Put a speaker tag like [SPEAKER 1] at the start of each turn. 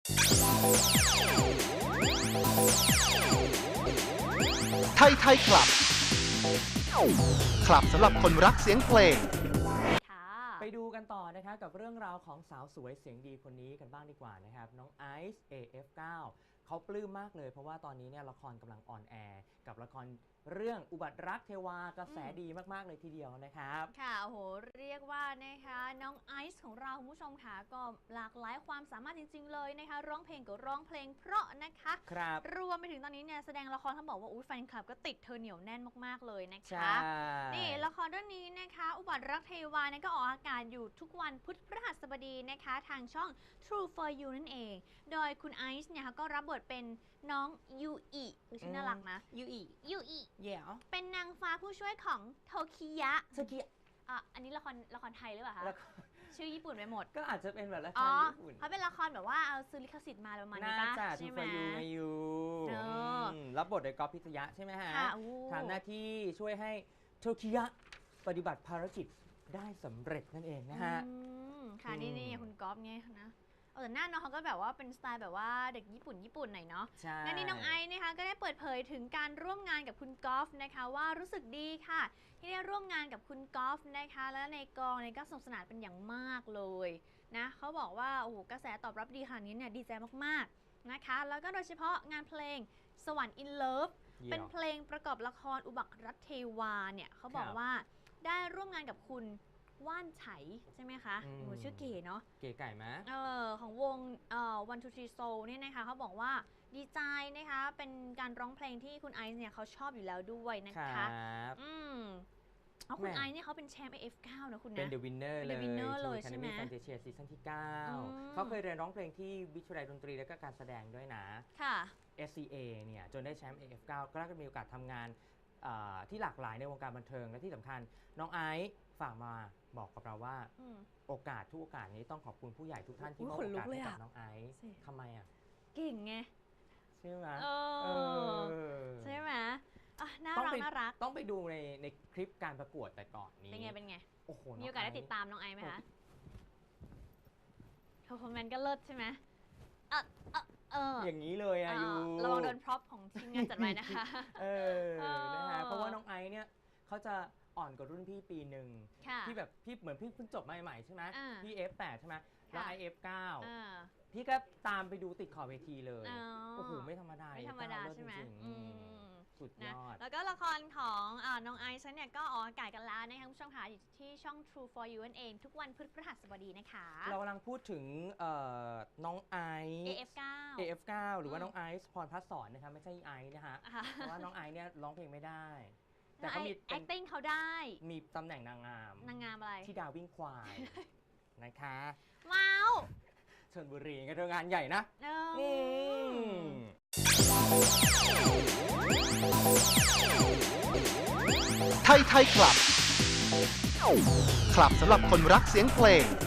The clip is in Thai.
[SPEAKER 1] ไทยคลับสำหรับคนรักเสียงเพลง
[SPEAKER 2] ไปดูกันต่อนะครับกับเรื่องราวของสาวสวยเสียงดีคนนี้กันบ้างดีกว่านะครับน้องไอซ์ AF9 เขาปลื้มมากเลยเพราะว่าตอนนี้เนี่ยละครกำลังออนแอร์กับละครเรื่องอุบัติรักเทวากระแสดีมากๆเลยทีเดียวนะครับ
[SPEAKER 3] ค่ะโอ้โหเรียกว่านะคะน้องไอซ์ของเราคุณผู้ชมค่ะก็หลากหลายความสามารถจริงๆเลยนะคะร้องเพลงก็ร้องเพลงเพราะนะคะ
[SPEAKER 2] ครับ
[SPEAKER 3] รวมไปถึงตอนนี้เนี่ยแสดงละครเขาบอกว่าแฟนคลับก็ติดเธอเหนียวแน่นมากๆเลยนะคะนี่ละครเรื่องนี้นะคะอุบัติรักเทวาเนี่ยก็ออกอากาศอยู่ทุกวันพุธพฤหัสบดีนะคะทางช่อง True for You นั่นเองโดยคุณไอซ์เนี่ยก็รับบทเป็นน้องยูอิชื่อน่ารักนะยูอิเป็นนางฟ้าผู้ช่วยของโทคิยะอันนี้ละครไทยหรือเปล่าคะชื่อญี่ปุ่นไปหมด
[SPEAKER 2] ก็อาจจะเป็นแบบละครญี่ปุ่น
[SPEAKER 3] เขาเป็นละครแบบว่าเอาซื้อลิขสิทธิ์มาประมาณนี้ป่ะ
[SPEAKER 2] ใช่ไหมมาอยู่รับบทโดยก๊อฟพิทยะใช่ไหมฮะทำหน้าที่ช่วยให้โทคิยะปฏิบัติภารกิจได้สำเร็จนั่นเองนะฮะ
[SPEAKER 3] ค่ะนี่คุณก๊อฟไงนะแต่หน้าน้องเขาก็แบบว่าเป็นสไตล์แบบว่าเด็กญี่ปุ่นหน่อยเนาะงั้นนี่น้องไอซ์นะคะก็ได้เปิดเผยถึงการร่วมงานกับคุณกอล์ฟนะคะว่ารู้สึกดีค่ะที่ได้ร่วมงานกับคุณกอล์ฟนะคะและในกองเนี่ยก็สนุกสนานเป็นอย่างมากเลยนะเขาบอกว่าโอ้โหกระแสตอบรับดีขนาดนี้เนี่ยดีใจมากๆนะคะแล้วก็โดยเฉพาะงานเพลงสวรรค์ in love เป็นเพลงประกอบละครอุบัติรักเทวาเนี่ยเขาบอกว่าได้ร่วมงานกับคุณว่านไฉใช่ไหมคะชื่อเก๋เนาะ
[SPEAKER 2] เก๋ไก่ไหม
[SPEAKER 3] ของวงOne Two Three Soul เนี่ยนะคะเขาบอกว่าดีใจนะคะเป็นการร้องเพลงที่คุณไอซ์เนี่ยเขาชอบอยู่แล้วด้วยนะคะคุณไอซ์เนี่ยเขาเป็นแชมป์ AF9 นะคุณนะ
[SPEAKER 2] เป็น The Winner
[SPEAKER 3] เลยใช่ไหม
[SPEAKER 2] แฟนเชียร์ซีซั่นที่ 9เขาเคยเรียนร้องเพลงที่วิทยาลัยดนตรีและก็การแสดงด้วยนะ
[SPEAKER 3] ค่ะ
[SPEAKER 2] SCA เนี่ยจนได้แชมป์ AF9 ก็ได้มีโอกาสทำงานที่หลากหลายในวงการบันเทิงและที่สำคัญน้องไอซ์ฝากมาบอกกับเราว่าโอกาสทุกโอกาสนี้ต้องขอบคุณผู้ใหญ่ทุกท่านที่มอบโอกาสให้กับน้องไอซ์ทำไมอ่ะ
[SPEAKER 3] เก่งไง
[SPEAKER 2] ใช่ไหม
[SPEAKER 3] ใช่ไหมน่ารัก
[SPEAKER 2] ต้องไปดูในคลิปการประกวดแต่ก่อนนี้
[SPEAKER 3] เป็นไง
[SPEAKER 2] โอ้โห
[SPEAKER 3] มีโอกาสได้ติดตามน้องไอซ์ไหมคะเพอร์ฟอร์แมนซ์ก็เลิศใช่ไหม
[SPEAKER 2] อย่างนี้เลยอายุ
[SPEAKER 3] ระวังโดนพร็อพของทีมงานจัดไว้นะคะ
[SPEAKER 2] นะคะเพราะว่าน้องไอซ์เนี่ยเขาจะอ่อนกว่ารุ่นพี่ปีหนึ่งที่แบบพี่เหมือนพี่เพิ่งจบใหม่ๆใช่ไหมพี่ F8 ใช่ไหมแล้วไอ F9 พี่ก็ตามไปดูติดขอบเวทีเลยโอ้โหไม่ธรรมดา
[SPEAKER 3] ใช่ไหม
[SPEAKER 2] สุดยอด
[SPEAKER 3] แล้วก็ละครของน้องไอซ์เนี่ยก็ออกอากาศกันแล้วนะคะคุณผู้ชมค่ะอยู่ที่ช่อง True for You นั่นเองทุกวันพฤหัสบดีนะคะ
[SPEAKER 2] เรากำลังพูดถึงน้องไอซ์ AF9 หรือว่าน้องไอซ์พรพัฒน์สอนนะคะไม่ใช่ไอซ์นะคะเพราะว่าน้องไอซ์เนี่ยร้องเพลงไม่ได้
[SPEAKER 3] แต่เขามี acting เขาได้
[SPEAKER 2] มีตำแหน่งนางงาม
[SPEAKER 3] อะไร
[SPEAKER 2] ที่ดาววิ่งควายนะคะ
[SPEAKER 3] ว้าว
[SPEAKER 2] ชลบุรีก็เรื่องงานใหญ่นะ
[SPEAKER 1] ไทยคลับสำหรับคนรักเสียงเพลง